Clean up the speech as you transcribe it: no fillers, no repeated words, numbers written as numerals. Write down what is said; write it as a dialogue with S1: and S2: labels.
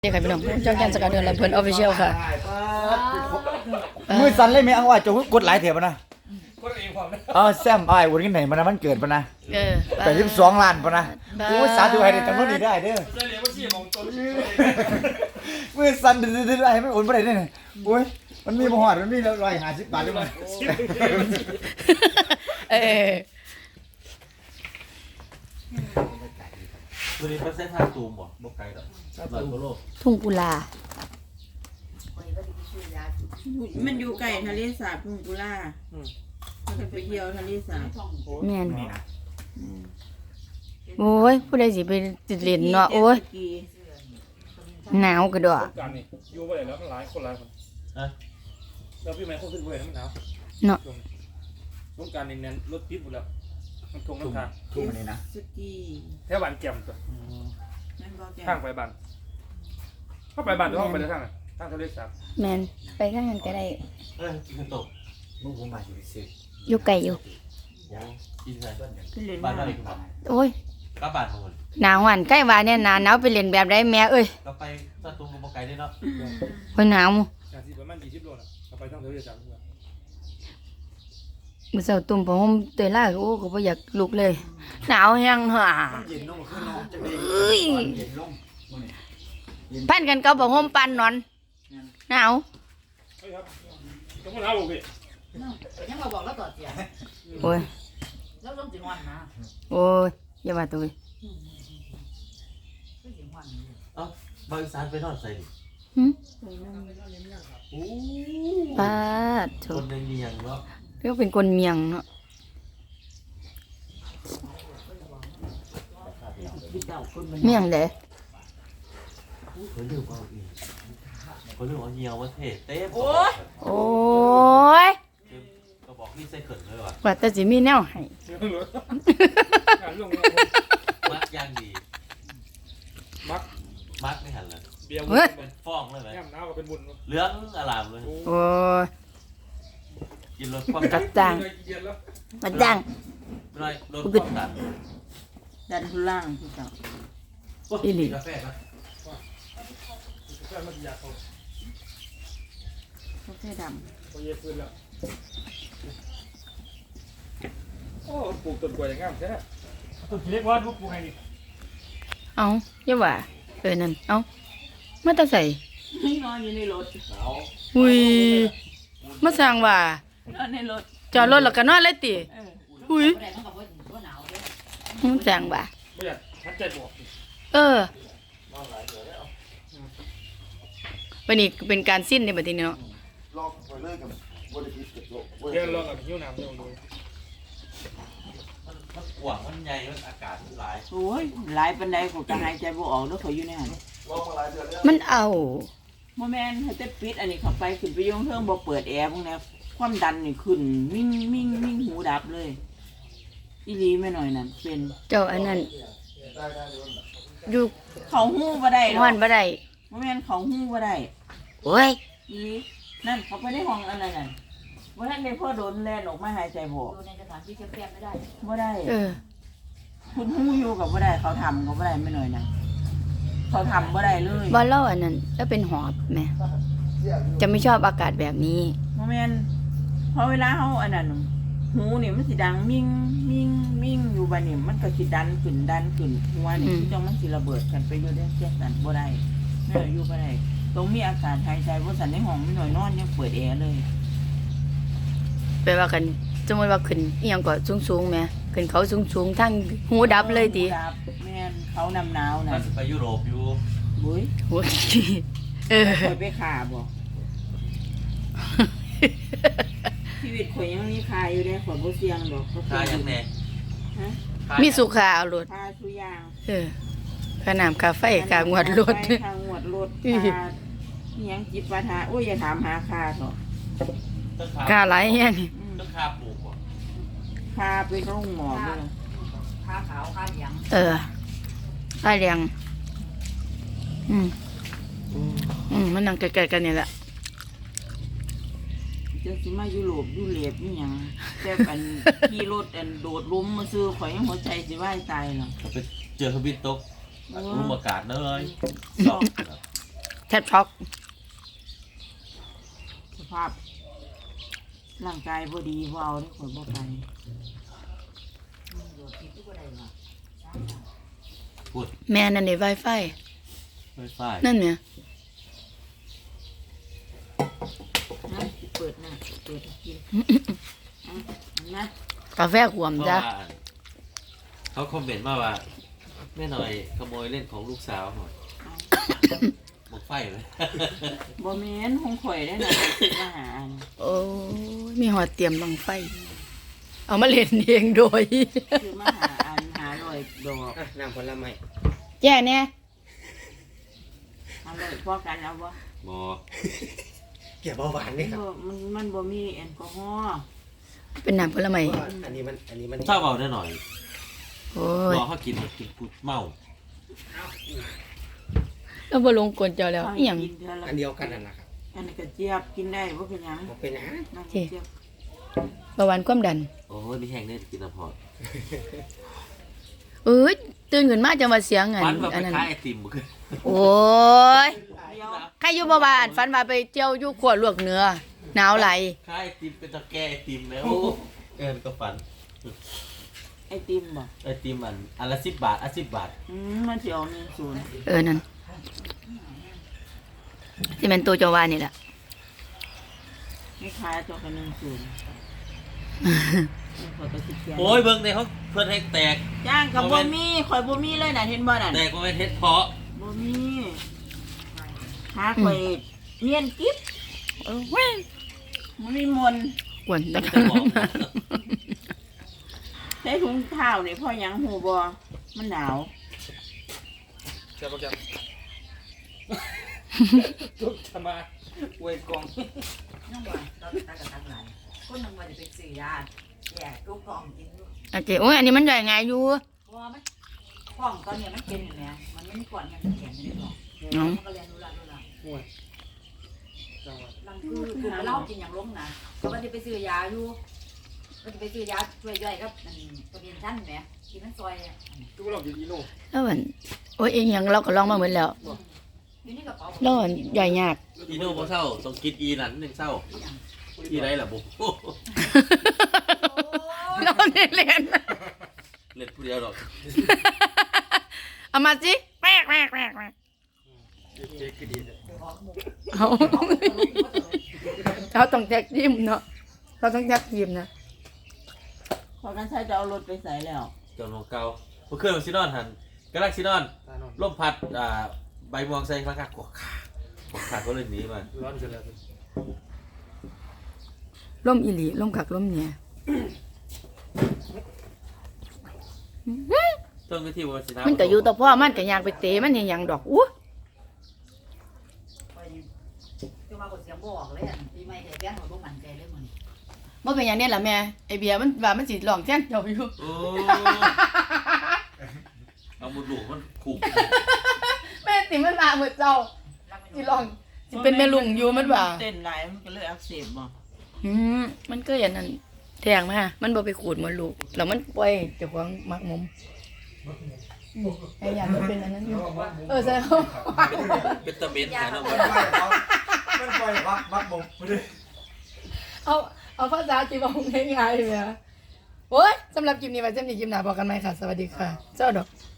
S1: นี่ค่ะพี่น้องเจ้าแกนสกัดเดือนละเพิ่นออฟฟิเชียลค่ะ
S2: มือสั่นเลยไหมเอาว่าจะกดหลายเถียบนะแซมไอ้วันนี้ไหนมันมันเกิดปะนะ82 ล้านปะนะโอ้สาธุให้ได้จำนวนนี้ได้เด้อมือสั่นดื้อๆไอ้ไม่โอนบ่ได้เด้อโอ้ยมันมีบ่ฮอดมันมี150 บาทด้วยมั้ย
S3: ตัวนี้เป็นเส้นทางตูมบ่ไกลดอก100 กว่าโล
S1: ทุ่งกุลา
S4: มันอยู่ใกล้ทะเลสาบทุ่งกุลามันก็ไปเที่ยวทะเลสาบ
S1: แม่นโอ้ยผู้ใดสิไปติดเล่นเนาะโอ้ยหนาวกระดอก
S5: การนี่อยู่บ่ได้แล้วมันหลายคนแล้วพี่แม่คนขึ้นบ่ได้มันหนาว
S1: เนาะ
S5: สงการนี่แน่นรถติดหมดแล้วมันคงน้ำทาง
S2: ทุ่มอันนี้นะ
S4: สกี
S5: แถวบ้านแก่มตัว
S4: นั่นก็แก
S5: ทางไปบ้านเข้าไปบ้านหรือเข้าไปในทางทางทะเลสาบ
S1: แม่นไปข้างนั้นก็ได้
S3: กินตก
S2: มึงผมมาสิซื้อ
S1: อยู่ไกลอยู่
S3: กินใส่
S4: ขึ้นเล่น
S3: บ้าน
S4: น้
S3: เราอีกครับ
S1: โอ้ย
S3: ก็บ้านของมัน
S1: หนาวหันใกล้ว่าเนี่ยหนาวไปเล่นแบบใดแม่เอ้ย
S3: ก็ไปสตูมกับบ่ไกลได้เนาะ
S1: โอ้ยหนาว
S5: อย่างที่ประมาณ20 โลน่ะเข้าไปทางทะเลสาบด้วย
S1: มื้อเช้าตุ่มผ้าห่มเตยล่าโอ้ก็บ่อยากลุกเลยหนาวแฮงห่า
S2: เย็นลงขึ้นเนาะจังได๋เย็นลงมื้อนี้
S1: พันกันกับผ้าห่มปันนอนหนาว
S5: เฮ้ยครับต้องมาหนาวบ่พี่
S6: ยังมาบอกแล้วต่อเสีย
S1: โอ้ย
S6: แล้วต้องสิงวันนะ
S1: โอ้ยอย่าว่าตัวเว้ย
S6: ต้องสิงวัน
S3: เอ้าบางสารไปนอนใส่ดิ
S1: หึ
S3: โอ้
S1: ปาดโถ
S3: คนในเมียงเนาะ
S1: เรียกเป็นคนเมียงเนาะ
S4: พี่เจ้าคนมัน
S1: เมียงเด้
S3: คนลืมเอาอีกคนลืมเอาเหี่ยวว่าเท่เต็ม
S1: โอ้ย
S3: ก็บอกพี่ใส่เขินเลยว่ะ
S1: ว่าแต่สิมีแนวให้
S5: เสียงเหลือการลง
S3: มักย่างดี
S5: มัก
S3: มักไม่หันเลย
S5: เบียร์
S3: เป็นฟ้องเลยไหม
S5: แง่มหนาวก็เป็นบุญ
S3: เหลืองอลามเลย
S1: โอ้ย
S3: กินรสความ
S1: กั
S3: ดั
S1: ด
S3: น
S1: จัง
S5: เย็นแล้ว
S1: กัดจัง
S3: ไม่รสความดัน
S4: ดันทุล่างพี่เจ้า
S1: อีหลี
S3: กาแฟนะ
S5: แค่มันอยากเขา
S4: เขาแค่ด
S5: พอเย็นพื้นแล้วโอ้ปลูกต้นกล้วยอย่างงามแท้ต้นเล็กว่าปลูกไงนี่
S1: เอาอย่าว่านั่นเอามาแตาใส่
S4: ำไม่นอนอยู่ในรถ
S1: อุ้ยมาสร้างว่าน
S4: อนในรถ
S1: จอดรถแล้วก็นอนเลยติอุ้ย
S6: แต่มันก็บ่หนาวเด้
S1: มาสร้างว่า
S5: ไม่อยากทัดใจบอก
S1: วันนี้เป็นการสิ้นในบัดนี้เนาะ
S2: ลอกไปเลยกับบ่ได้คิดกับโลก
S5: เดี๋ยวลองกับหิ้วน้ำเดี๋ยวดู
S3: มันกว้างมันใหญ่มันอากาศหลาย
S4: โอ้ยหลายปันใดกูจะหายใจบ่ออกแล้วเขาอยู่ในหัน
S2: ลอกมาหลายเดือนแล้ว
S1: มันเอา
S4: โมแมนให้แต่ปิดอันนี้เข้าไปขึ้นไปยงเทิงบ่เปิดแอร์พวกนี้ความดันนี่ขึ้นมิ่งมิ่งมิ่งหูดับเลยอีหลีไม่หน่อยนั่นเป็น
S1: เจ้าอันนั้นอยู่
S4: เขาหูบ่ได้หรอ
S1: ห้อนบ่ได้
S4: โมแมนเขาหูบ่ได้
S1: โอ้ย
S4: อีหลีนั่นเขาไปในห้องอะไรนั่นบ่ทันได้พ่อโดนแล่นออกมาหายใจบ่
S6: อยู่ในสถานที่แคบๆไม่ได้
S4: บ่ได้
S1: เออ
S4: คุณหูอยู่กับบ่ได้เขาทำก็บ่ได้ไม่หน่อยนะเขาทำบ่ได้เลย
S1: บ่เล่าอันนั้นแล้วเป็นหอบแม่จะไม่ชอบอากาศแบบนี้
S4: โมแมนพอเวลาเขาอันนั้นหูนี่มันสิดังมิ่งมิ่งมิ่งอยู่บัดนี้มันก็สิดันขึ้นหัวนี่คือจังมันสิระเบิดกันไปอยู่ได้แค่นั้นบ่ได้ไม่หน่อยอยู่บ่ได้ต้องมีอากาศหายใจบ่สั่นในห้องไม่หน่อยนอนยังเปิดแอร์เลย
S1: แปลว่ากันสมมติว่าขึ้นเอียงก็สูงๆแหม่ขึ้นเขาสูงๆทั้งหูดับเลยติ
S4: หูดับแม่นเขานำหนาว
S3: ๆ
S4: นะ
S3: มันจะไปยุโรปอยู่
S4: บุ้ย
S1: โอ้ยเออ
S4: ข่อยไปขาบ่ชีวิตข่อยยังมีคาอยู่ได้ข่อยบ่เสี่ยงดอกเขา
S3: ค่ายังแน่
S4: ฮะ
S1: มีสุขาเอารถ
S4: คาทุกอย่าง
S1: เออค่าน้ำค่าไฟค่างวดรถ
S4: ค่างวดรถค่าอิหยังจิปาถะโอ้ยอย่าถามหาคาเถอะ
S3: ต้น
S1: ค่าหลายแฮง
S3: ต้นคาปลูกบ่
S4: คาไปโรงหมอเลย
S6: ขาขาวขาเหลือง
S1: เออค่าเลี้ยงมันนั่งใกล้ๆกันนี่แหละ
S4: จะสิมายุโรปยุเรปนี่หยังแต่อันขี่รถอันโดดล้มมาซื้อข่อยยังหัวใจสิวายตายหรอก
S3: ไปเจอทวิตตก
S4: โอ้
S3: รูมอากาศเลย
S4: สอบ
S1: แทบช็อก
S4: สภาพร่างกายบ่ดีบ่เอาเด้อข่อยบ่ไป
S6: โดดผิดทุกคนได้มา
S1: แม่นั่นใน Wi-Fi
S3: ไม่ไฟ
S1: นั่นเนี่ย
S4: นะเปิดนะเปิดให้กินนะ
S1: กาแฟขวม
S3: เพราะ
S1: จ้ะ
S3: ว่าเขาคอมเมนต์มาว่าแม่หน่อยขโมยเล่นของลูกสาวหน่อยหมดไฟเลย
S4: บ่แม่นของข่อยได้อนะคิดมาหาอัน
S1: โอ้ยมีหอดเตรียมบังไฟ เอามาเล่นเองโดย
S4: คือมาหาอันหาลอยดอก
S7: น้ำผลไม้
S1: แย่เนี่ย
S4: หาลอยพอกันเอาบ่
S3: หมอ
S7: เกี่ยวเบาหวานนี่ครับ
S4: มันบ่มีแอลกอฮอล์
S1: เป็นน้ำผลไม้
S7: เพราะว่าอันนี้มัน
S3: ชอบเอาได้หน่อย
S1: โอ้ย
S3: หมอเขากินกูเมา
S1: แล้วบ่ลงกลเจ้าแล้วอีหยัง
S4: กินเทื่อละ
S7: อันเดียวกันนั่นแหละครับ
S4: อันนี้กระเจี๊ยบกินได้บ่เป็นหยัง
S7: บ่เป็นนะ
S4: น้ำกระเจี๊ยบ
S1: เบาหวานความดัน
S3: โอ้ยมีแห้งได้กินน้ำพอด
S1: เอ้ยตื่นขึ้นมาจังว่าเสียง
S3: ฟันแบบ
S1: อันนั้น
S3: คล้ายไอติมบ่คือ
S1: โอ้ย
S4: เดียว
S1: ใครอยู่บ่บ้านฝันว่าไปเที่ยวอยู่ขวดลวกเนื้อหนาวไหล
S3: คล้ายไอติมเป็นตะแกรงไอติมแล้วก็ฟัน
S4: ไอติมบ่
S3: ไอติมอันละ10 บาท10 บาท
S4: มันสิเอา10
S1: เออนั่นที่มันตัวเจาวานี่แหละ
S4: ไม่ขายตัวกัน10ข่อยก็สิเขียน
S3: โอ้ยเบิ่งในห้องเพิ่นให้แตก
S4: ย่างกับบ่มีข่อยบ่มีเลยน่ะเห็นบ่นั่น
S3: แตกบ่แม่นเฮ็ดเพาะ
S4: บ่มีหาข่อยเนียนกิ๊บ
S1: เออเว้ย
S4: มันมีมนต์
S1: กวนตะ
S3: จะบอก
S4: ใส่ถุงเท้านี่พ่อหยังหูบ่มันหนาว
S5: แกบอกแกทุกจะมาอวยกอง
S6: น้องว่าเราไปตักกับตักหลายคนนึงว่าจะไปซื้อยาแย่ลูกกองกินอยู่
S1: โอเคโอ้ยอันนี้มันใหญ่ไงอยู่
S6: เพราะว่ามันกล่องตอนเนี้ยมันเป็นอยู่แล้วมันไม่มีก่อนมันแข็งไม่ได้หรอก
S1: เนาะ
S6: มันก็เรียนรู้ละ
S5: ห่วยจังหวะ
S6: ลังคือเล่ากินอย่างล้มนะเพราะว่าจะไปซื้อยาอยู่ก็จะไปซื้อยาช่วยย่อยครับนั่นตัวเรียนท่านแหมกินมันซอยอ่ะ
S5: ทุกเรากินอีโน่
S1: แล้วมันโอ้ยเองยังเราก็ลองมาเหมือนแล้ว
S6: อยู่นี่กระเป๋า
S1: แล้วมันใหญ่ยาก
S3: อีโน่บ่เศร้าต้องกินอีนั่นนึงเศร้าอีไรล่ะบ่
S1: เราเนี่ยเล่น
S3: เล่นผู้เดียวดอก
S1: เอามาสิแม่แม่แม่แม่
S5: เจ๊คือดีเลย
S1: เอาเราต้องแท็กทีมเนาะเราต้องแท็กทีมนะ
S4: พอกันใช้จะเอารถไปใส่แล้ว
S3: จนของเก่าเมื่อคืนซินอนหันกาแล็กซินอน
S5: ตานอน
S3: ลมพัดใบม่วงใส่ข้างกวกขาก็เลยหนีมา
S5: ร้อนเกินแล้ว
S1: ล่มอีหลีล่มขักล่มเนี่ย
S3: ต้นวิธีวันสินะ
S1: มันก็อยู่ต่อพ่อมันก็อยากไปเตะมันอย่างหยังดอกอู้
S6: จะมาบทเสียงบอกเลยอ่ะปีใหม่แต่แบงค์ของพวกมันใจเลยมัน
S1: บ่เป็นอย่างนี้ล่ะแม่ไอเบียร์มันว่ามันสิร้องแทนเจ้าอยู่
S3: โอ้เอามุดหลูมันขู่
S1: แม่ติมันมาเหมือนเจ้าสิร้องสิเป็นแม่ลุงอยู่มันว่า
S4: เต้นหลายมันก็เลยอักเสบบ่
S1: มันก็อย่างนั้นแทงมามันบ่ไปขูดมันลูกแล้วมันปล่อยเจ้าของมักมุมไอ้อย่างมันเป็นอันนั้นอยู่ใช่เขา
S3: เป็นตะเม็ดนะน้อง
S2: มันปล่อยมักบ่มบ่ได้
S1: เอาภาษาจีบงง่ายๆเลยโอ้ยสำหรับคลิปนี้ไว้เจ้าหนี้คลิปหน้าบอกกันไหมค่ะ สวัสดีค่ะ เจ้าดอก